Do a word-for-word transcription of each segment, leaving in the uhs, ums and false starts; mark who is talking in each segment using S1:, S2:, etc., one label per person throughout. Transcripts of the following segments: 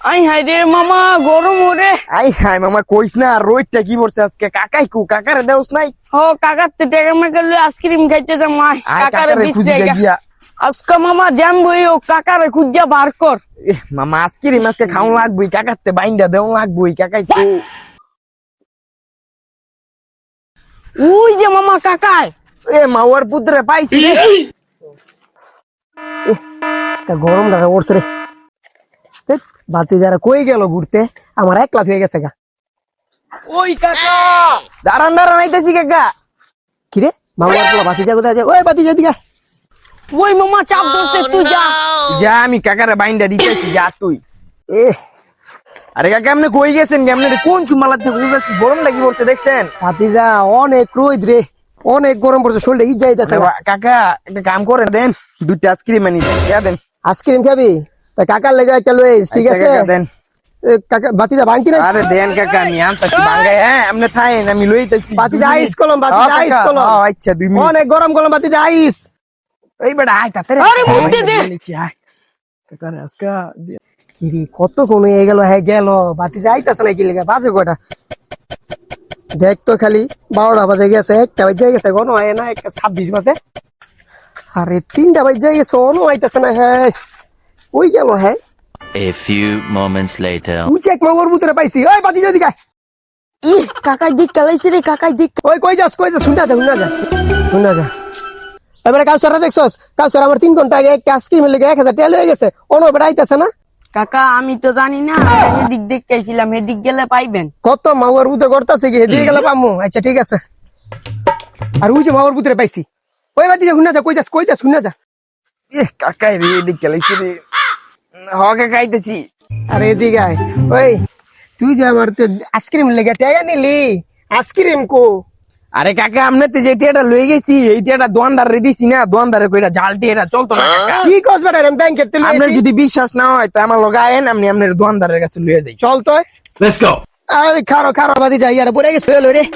S1: I high রে মামা গরম ওরে।
S2: আই হাই মামা কইস না রোদটা কি পড়ছে আজকে। কাকাই কু কাকারে দেওস নাই?
S1: ও কাকার তো টেকা মেকা লই আইসক্রিম খাইতে যাম। আই
S2: আয়
S1: কাকারে
S2: কাকারে
S1: বিশ
S2: খুঁজে
S1: টাকা
S2: গিয়া।
S1: আজকে মামা জাম বই ও কাকারে খুঁজা বার কর।
S2: এ মামা আইসক্রিম আজকে খাওয়া লাগবই, কাকাতে বাইন্দা দেওয়া লাগবই। কাকাই কু
S1: ওই যে মামা কাকায়।
S2: এ মাওয়ার পুত্রে পাইছি রে।
S3: আজকে গরম লাগা পড়ছে রে। ধ্যাৎ, বাতি যারা কই গেল ঘুরতে, আমার এক লাখ হয়ে গেছে গা।
S1: ওই কাকা
S2: দাঁড়ান দাঁড়ান আইতেছি কাকা।
S3: কিরে মামার পোলা বাতি যা কোথায় আছে? ওই বাতি যা দিকে।
S1: ওই মামা চাপ ধরছে তুই যা।
S2: যা আমি কাকারে বাইন্দা দিতেছি, যা তুই।
S3: এ
S2: আরে কাকা আপনি কই গেছেন? কেমনে কোন চুমালাতে খুঁজেছি? গরম লাগি পড়ছে দেখছেন?
S3: বাতি যা অনেক রোদ রে, অনেক গরম পড়ছে, শরীরটা ইজ যাইতেছে।
S2: কাকা একটা কাম করেন, দেন দুইটা আইসক্রিম আনি দেন।
S3: আইসক্রিম খাবি? তা কাকার লেগে একটা লই আইস, ঠিক
S2: আচ্ছা
S3: আছে?
S2: কাকা, দেন।
S3: এ, কাকা বাতি যা ভাঙতি না?
S2: আরে দেন কাকা, আমি আনতাছি বাঙ্গাই। হ্যাঁ আপনি থাকেন, আমি লইতেছি।
S3: বাতি যা আইস কলম, বাতি যা আইস কলম।
S2: আচ্ছা দুই মিনিট।
S3: অনেক গরম কলম, বাতি যা আইস।
S2: এই বেটা আয় তাতে।
S1: আরে মুখে দে।
S2: কাকারে আজকে
S3: কিরে কত কমে গেল, হ্যাঁ গেল, বাতি যা আইতাছে না কি লেগে? বাজে কয়টা দেখ তো, খালি বারোটা বাজে গেছে, একটা বাজে গেছে, কোনো হয় না, একটা ছাব্বিশ বাজে। আরে তিনটা বাজে গেছে, অনো আইতাছে না। হ্যাঁ ওই গেল। হ্যাঁ
S4: A few moments later.
S3: তুই চেক মাগর ভিতরে পাইছি। ওই বাতি যদি গায়।
S1: ই কাকাই দিক কালাইছে রে, কাকাই দিক।
S3: ওই কই যাস, কই যাস? শুনা যা, শুনা যা, শুনা যা। এবারে কাউসারা দেখছস? কাউসার আমার তিন ঘন্টা আগে একটা আইসক্রিমের লেগে এক হাজার টাকা লয়ে গেছে, অনো বেড়া আইতাছে না।
S1: কাকা আমি তো জানি না, এদিক দেখতেছিলাম, এদিক গেলে পাইবেন।
S3: কত মাগর ভিতরে করতেছে কি, দিয়ে গেলে পামু। আচ্ছা ঠিক আছে। আর ওই যে মাগর ভিতরে পাইছি। ওই বাতি যা, শুনা যা, কই যাস, কই যাস, শুনা যা।
S2: এ কাকাই রে এদিক গেলাইছি রে। হ কাকা আইতেছি।
S3: আরে এদিকে আয়। ওই তুই যে আমার আইসক্রিম লেগে টাকা নিলি, আইসক্রিম কো?
S2: আরে কাকা আমনে তো যে টিয়াটা লই গেছি, এই টিয়াটা দোয়ানদারে দিছি না, দোয়ানদারে কইরা জালটি এটা চলতো না কাকা।
S3: কি কস বেটা, আমি ব্যাংকের তেল
S2: আপনার যদি বিশ্বাস না হয় তো আমার লগে আয়েন, আমি আপনার দোয়ানদারের কাছে লইয়া যাই।
S3: চল তো।
S4: Let's go.
S3: আরে খারো খারো বাদি যাই, আর পড়ে গেছে হলো রে।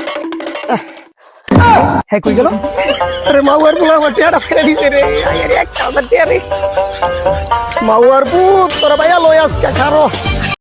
S3: হ্যাঁ কই গেল? আরে মাউয়ার পোলা আমার টিয়াটা ফেলে দিছে রে। আরে একটা আমার টিয়া রে। মাউয়ার পুত তোরা ভাইয়া লই আজকে খারো।